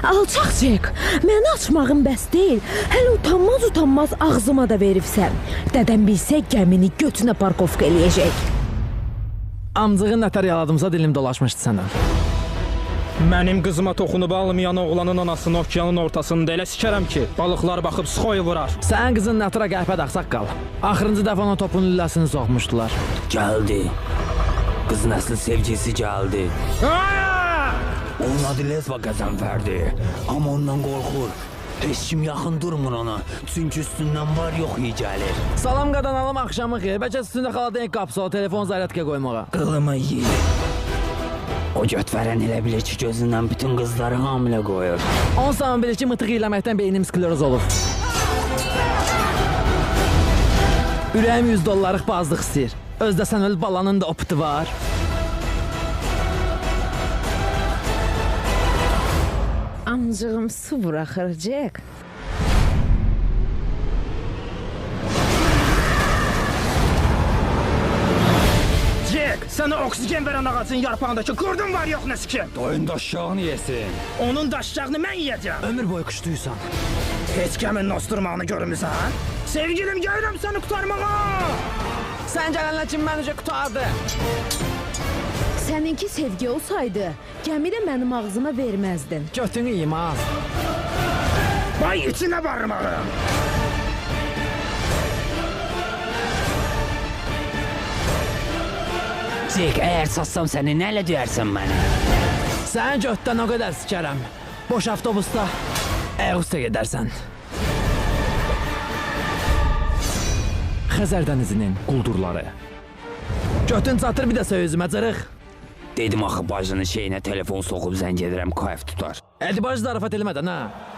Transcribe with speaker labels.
Speaker 1: Alçaq Cek, məni açmağın bəs deyil. Hələ utanmaz ağzıma da veribsən. Dədəm bilsə gəmini götünə parkovka eləyəcək.
Speaker 2: Amcığın nətər yaladımsa dilim dolaşmışdı sənə.
Speaker 3: Mənim qızıma toxunub almayan oğlanın anasını okeanın ortasında elə sikərəm ki, balıqlar baxıb sıxoyu vurar.
Speaker 2: Sənin qızın nətra qəhbət axsaq qal. Axırıncı dəfə ona topun lüləsini soxmuşdular.
Speaker 4: Gəldi. Qızın əsli sevgisi gəldi. Onun adı Lezva Qəzənfərdir. Amma ondan qorxur. Heç kim yaxın durmur ona. Çünki üstündən var yox iyi gəlir.
Speaker 2: Salam qadanalım axşamı xeyir. Bəlkə üstündə xaladan qapısı o telefon zaryatkaya qoymağa.
Speaker 4: Qılımı yiyir. O götvərən elə bilir ki, gözündən bütün qızları hamilə qoyur.
Speaker 2: 10 zaman bilir ki, mıtıq eləməkdən beynim skleroz olur. Ürəyim $100 bazlıq istəyir. Özdə sən öl balanın da opti var.
Speaker 1: Amcığım su buraxır Cek.
Speaker 3: Cek, sənə oksigen verən ağacın yarpağındakı qurdun var yox nə sikim?
Speaker 4: Doyun daşşağını yesin.
Speaker 3: Onun daşşağını mən yiyəcəm.
Speaker 2: Ömür boyu qışdıysan.
Speaker 3: Heç kəmin nosturmağını görmüsən? Sevgilim, gəlirəm səni qutarmağa.
Speaker 2: Sən gələnlə kim məni qutardı?
Speaker 1: Səninki sevgi olsaydı, gəmi də mənim ağzıma verməzdin.
Speaker 2: Götünü yiyim az.
Speaker 3: Vay içinə barmağım.
Speaker 4: Cek, əgər satsam səni nələ döyərsən mənə?
Speaker 2: Sən götdən o qədər sikərəm. Boş avtobusda Əğustə gedərsən. Xəzər dənizinin quldurları. Götün çatır bir də söyüzümə cırıq.
Speaker 4: Dedim axı bacının şeyinə telefon soxub zəng edirəm, kayf tutar.
Speaker 2: Ədibacı zarafat eləmədən, ha?